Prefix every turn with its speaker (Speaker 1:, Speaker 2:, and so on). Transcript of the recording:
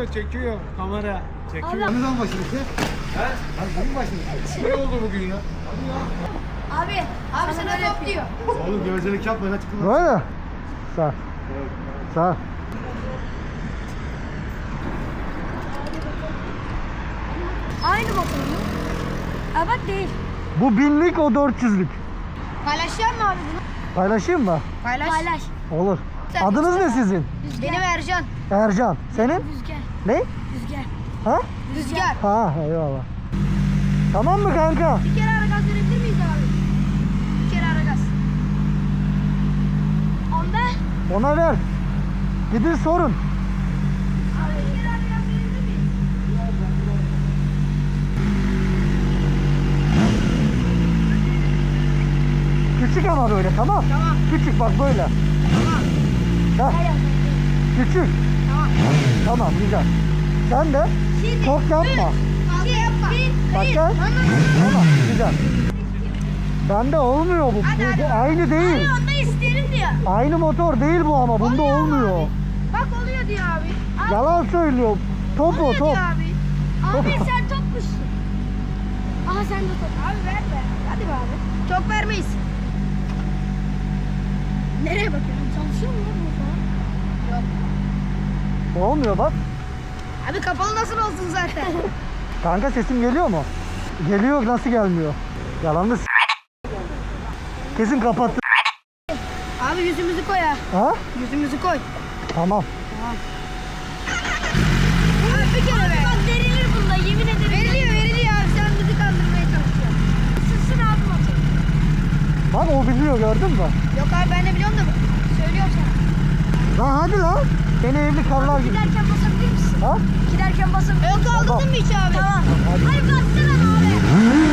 Speaker 1: çekiyor kamera. Çekiyor.
Speaker 2: Abi.
Speaker 3: Ne zaman başladık ya?
Speaker 1: He?
Speaker 3: Hadi bugün başladık.
Speaker 1: Ne oldu bugün ya?
Speaker 2: Abi sana top diyor.
Speaker 3: Oğlum gevezelik yapma lan çıkın.
Speaker 4: Böyle. Sağ. Sağ.
Speaker 2: Aynı motor mu? Evet değil.
Speaker 4: Bu 1000'lik, o 400'lük.
Speaker 2: Paylaşacak mı abi bunu?
Speaker 4: Paylaşayım mı?
Speaker 2: Paylaş.
Speaker 4: Olur. Adınız ne sizin?
Speaker 2: Benim Ercan.
Speaker 4: Ercan. Senin?
Speaker 2: Rüzgar.
Speaker 4: Ne?
Speaker 2: Rüzgar.
Speaker 4: Ha?
Speaker 2: Rüzgar.
Speaker 4: Ha, eyvallah. Tamam mı kanka?
Speaker 2: Bir kere ara gaz verebilir miyiz abi? Bir kere ara gaz. Onda?
Speaker 4: Ona ver. Gidin sorun.
Speaker 2: Abi bir kere ara gaz verebilir miyiz?
Speaker 4: Küçük ama böyle, tamam?
Speaker 2: Tamam.
Speaker 4: Küçük bak böyle.
Speaker 2: Tamam.
Speaker 4: Ha, küçük.
Speaker 2: Tamam.
Speaker 4: Tamam, güzel. Sen de
Speaker 2: Şimdi
Speaker 4: çok yapma.
Speaker 2: Fazla yapma.
Speaker 4: Bak gel. Tamam, güzel. Bende olmuyor bu. Bu aynı değil.
Speaker 2: Abi onda isterim diyor.
Speaker 4: Aynı motor değil bu ama bunda
Speaker 2: Oluyor
Speaker 4: olmuyor.
Speaker 2: abi. Bak oluyor diyor abi.
Speaker 4: Yalan söylüyor. Top o
Speaker 2: Oluyor
Speaker 4: top.
Speaker 2: diyor abi. Abi sen topmuşsun. Aha sen de top. Abi ver be. Hadi be abi. Çok vermeyiz. Nereye bakıyorsun? Çalışıyor mu lan bu falan? Yok.
Speaker 4: Olmuyor bak.
Speaker 2: Abi kapalı nasıl olsun zaten?
Speaker 4: Kanka sesim geliyor mu? Geliyor, nasıl gelmiyor? Yalanlı kesin kapattı.
Speaker 2: Abi yüzümüzü koy ha.
Speaker 4: Ha?
Speaker 2: Yüzümüzü koy.
Speaker 4: Tamam.
Speaker 2: Abi bir kere be. Bak verilir bunda yemin ederim. Veriliyor abi. Sen bizi kandırmaya çalışıyorsun. Sırsın abi motoru.
Speaker 4: Bak o biliyor, gördün mü?
Speaker 2: Yok abi ben de biliyorum da söylüyorum sana.
Speaker 4: Lan hadi lan. Beni evli karlar gibi.
Speaker 2: Giderken basabilir misin?
Speaker 4: Ha?
Speaker 2: Giderken basabilir misin? Yok aldın mı hiç abi? Tamam.
Speaker 4: Hadi.
Speaker 2: Hadi bassana abi.